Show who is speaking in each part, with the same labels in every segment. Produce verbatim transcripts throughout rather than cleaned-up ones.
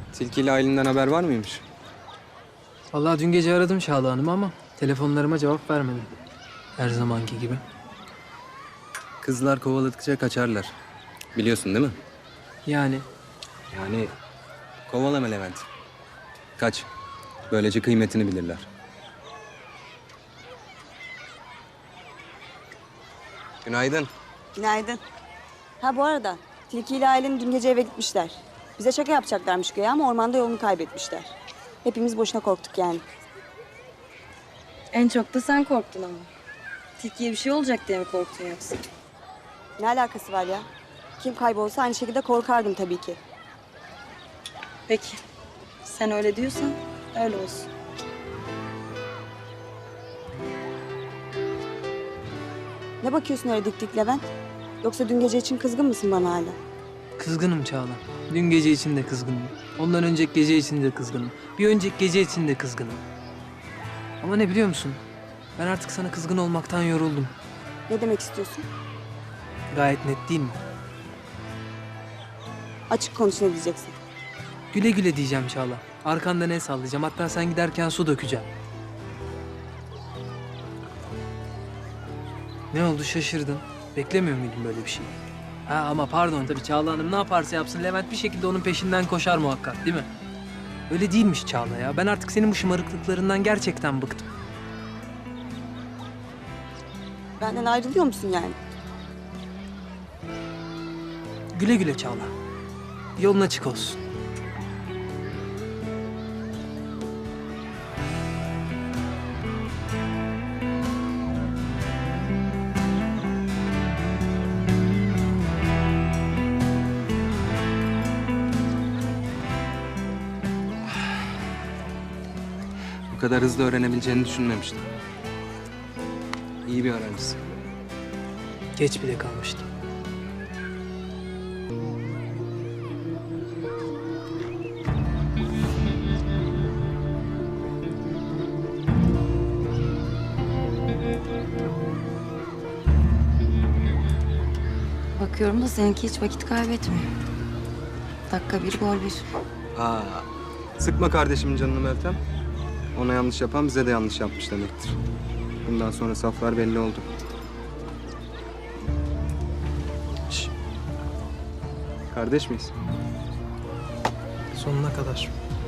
Speaker 1: Tilki Aylin'den haber var mıymış?
Speaker 2: Vallahi dün gece aradım Çağla Hanım'ı ama telefonlarıma cevap vermedi. Her zamanki gibi.
Speaker 1: Kızlar kovaladıkça kaçarlar. Biliyorsun değil mi?
Speaker 2: Yani
Speaker 1: Yani kovalama Levent. Kaç. Böylece kıymetini bilirler. Günaydın.
Speaker 3: Günaydın. Ha bu arada Tilki ile Aylin dün gece eve gitmişler. Bize şaka yapacaklarmış güya ama ormanda yolunu kaybetmişler. Hepimiz boşuna korktuk yani.
Speaker 4: En çok da sen korktun ama. Tilkiye bir şey olacak diye mi korktun yoksa?
Speaker 3: Ne alakası var ya? Kim kaybolsa aynı şekilde korkardım tabii ki.
Speaker 4: Peki. Sen öyle diyorsan öyle olsun.
Speaker 3: Ne bakıyorsun öyle dik dik Levent? Yoksa dün gece için kızgın mısın bana hala?
Speaker 2: kızgınım Çağla. Dün gece için de kızgınım. Ondan önceki gece için de kızgınım. Bir önceki gece için de kızgınım. Ama ne biliyor musun? Ben artık sana kızgın olmaktan yoruldum.
Speaker 3: Ne demek istiyorsun?
Speaker 2: Gayet net değil mi?
Speaker 3: Açık konuş ne diyeceksin?
Speaker 2: Güle güle diyeceğim Çağla. Arkandan el sallayacağım. Hatta sen giderken su dökeceğim. Ne oldu şaşırdın? Beklemiyor muydun böyle bir şey? Ha ama pardon tabii Çağla Hanım ne yaparsa yapsın Levent bir şekilde onun peşinden koşar muhakkak değil mi? Öyle değilmiş Çağla ya. Ben artık senin bu şımarıklıklarından gerçekten bıktım.
Speaker 3: Benden ayrılıyor musun yani?
Speaker 2: Güle güle Çağla. Yolun açık olsun.
Speaker 1: Bu kadar hızlı öğrenebileceğini düşünmemiştim. İyi bir öğrencisin.
Speaker 2: Geç bile kalmıştım.
Speaker 4: Bakıyorum da seninki hiç vakit kaybetmiyor. Dakika bir, gol bir.
Speaker 1: Ha, sıkma kardeşimin canını Meltem. Ona yanlış yapan bize de yanlış yapmış demektir. Bundan sonra saflar belli oldu. Şş. Kardeş miyiz?
Speaker 2: Sonuna kadar.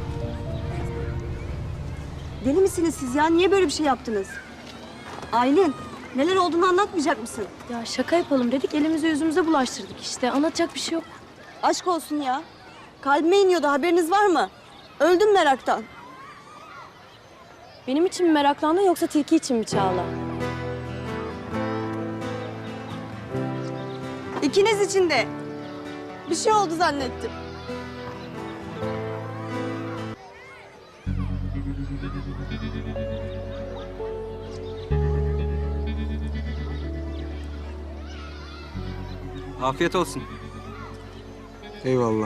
Speaker 3: Deli misiniz siz ya? Niye böyle bir şey yaptınız? Aylin, neler olduğunu anlatmayacak mısın?
Speaker 5: Ya şaka yapalım dedik, elimizi yüzümüze bulaştırdık işte. Anlatacak bir şey yok.
Speaker 3: Aşk olsun ya. Kalbime iniyordu, haberiniz var mı? Öldüm meraktan.
Speaker 5: Benim için mi meraklandın yoksa tilki için mi Çağla?
Speaker 3: İkiniz için de. Bir şey oldu zannettim.
Speaker 1: Afiyet olsun. Eyvallah.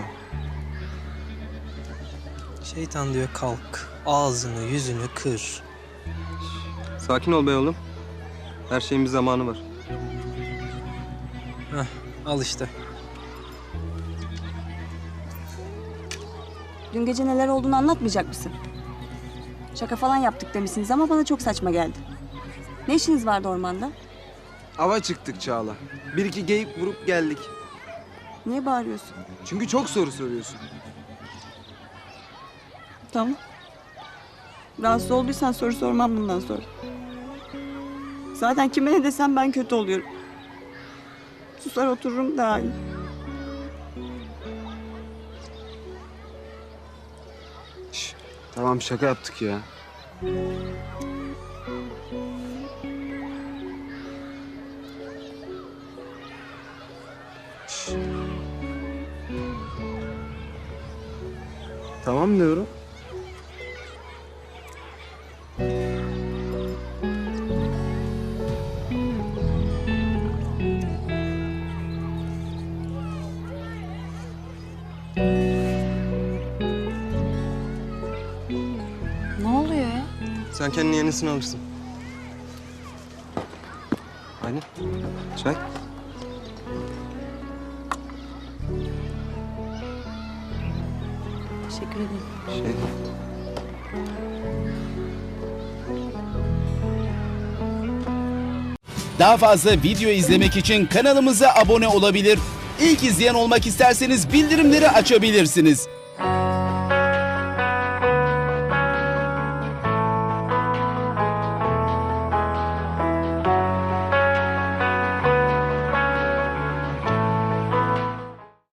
Speaker 2: Şeytan diyor kalk. Ağzını yüzünü kır.
Speaker 1: Sakin ol be oğlum. Her şeyin bir zamanı var.
Speaker 2: Heh, al işte.
Speaker 3: Dün gece neler olduğunu anlatmayacak mısın? Şaka falan yaptık demişsiniz ama bana çok saçma geldi. Ne işiniz vardı ormanda?
Speaker 6: Ava çıktık Çağla. Bir iki geyik vurup geldik.
Speaker 3: Niye bağırıyorsun?
Speaker 6: Çünkü çok soru soruyorsun.
Speaker 3: Tamam. Rahatsız olduysan soru sormam bundan sonra. Zaten kime ne desem ben kötü oluyorum. Susar otururum daha iyi.
Speaker 6: Şş, tamam şaka yaptık ya. Şş. Tamam diyorum.
Speaker 4: Ne oluyor ya?
Speaker 1: Sen kendine yenisini alırsın. Aynen. Çay.
Speaker 5: Teşekkür ederim.
Speaker 1: Şey,
Speaker 7: Daha fazla video izlemek için kanalımıza abone olabilir. İlk izleyen olmak isterseniz bildirimleri açabilirsiniz.